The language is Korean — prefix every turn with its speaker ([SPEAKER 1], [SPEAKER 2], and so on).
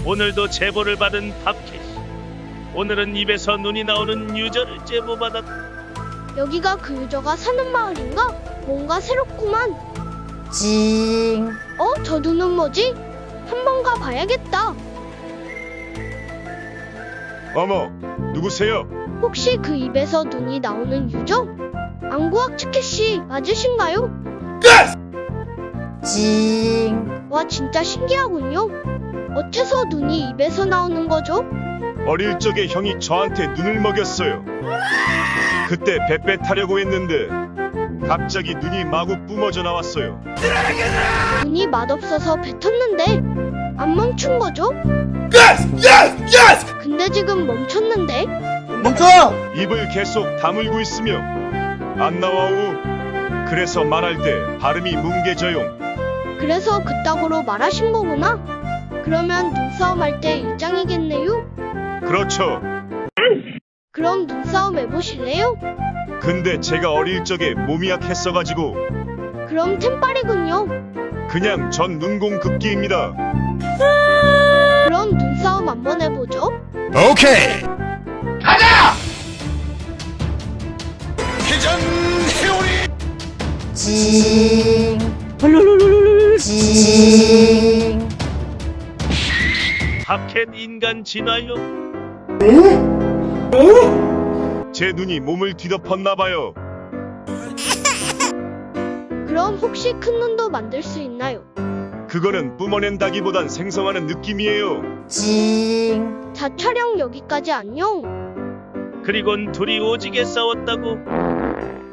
[SPEAKER 1] 오늘도 제보를 받은 팝캣이. 오늘은 입에서 눈이 나오는 유저를 제보받았다.
[SPEAKER 2] 여기가 그 유저가 사는 마을인가? 뭔가 새롭구만.
[SPEAKER 3] 징.
[SPEAKER 2] 저 눈은 뭐지? 한번 가봐야겠다.
[SPEAKER 4] 어머, 누구세요?
[SPEAKER 2] 혹시 그 입에서 눈이 나오는 유저? 안구학 치켓씨 맞으신가요?
[SPEAKER 3] 징.
[SPEAKER 2] 와, 진짜 신기하군요. 어째서 눈이 입에서 나오는 거죠?
[SPEAKER 4] 어릴 적에 형이 저한테 눈을 먹였어요. 그때 뱃배 타려고 했는데 갑자기 눈이 마구 뿜어져 나왔어요.
[SPEAKER 2] 눈이 맛없어서 뱉었는데 안 멈춘 거죠? 근데 지금 멈췄는데?
[SPEAKER 3] 멈춰!
[SPEAKER 4] 입을 계속 다물고 있으며 안 나와오. 그래서 말할 때 발음이 뭉개져요.
[SPEAKER 2] 그래서 그따구로 말하신 거구나? 그러면 눈싸움 할 때 일장이겠네요?
[SPEAKER 4] 그렇죠.
[SPEAKER 2] 그럼 눈싸움 해보실래요?
[SPEAKER 4] 근데 제가 어릴 적에 몸이 약했어가지고
[SPEAKER 2] 그럼 템빨이군요.
[SPEAKER 4] 그냥 전 눈공급기입니다.
[SPEAKER 2] 그럼 눈싸움 한번 해보죠.
[SPEAKER 4] 오케이.
[SPEAKER 3] 징. 징.
[SPEAKER 1] 팝캣 인간 진화요.
[SPEAKER 4] 제 눈이 몸을 뒤덮었나봐요.
[SPEAKER 2] 그럼 혹시 큰 눈도 만들 수 있나요?
[SPEAKER 4] 그거는 뿜어낸다기보단 생성하는 느낌이에요.
[SPEAKER 3] 징.
[SPEAKER 2] 자, 촬영 여기까지 안녕.
[SPEAKER 1] 그리곤 둘이 오지게 싸웠다고.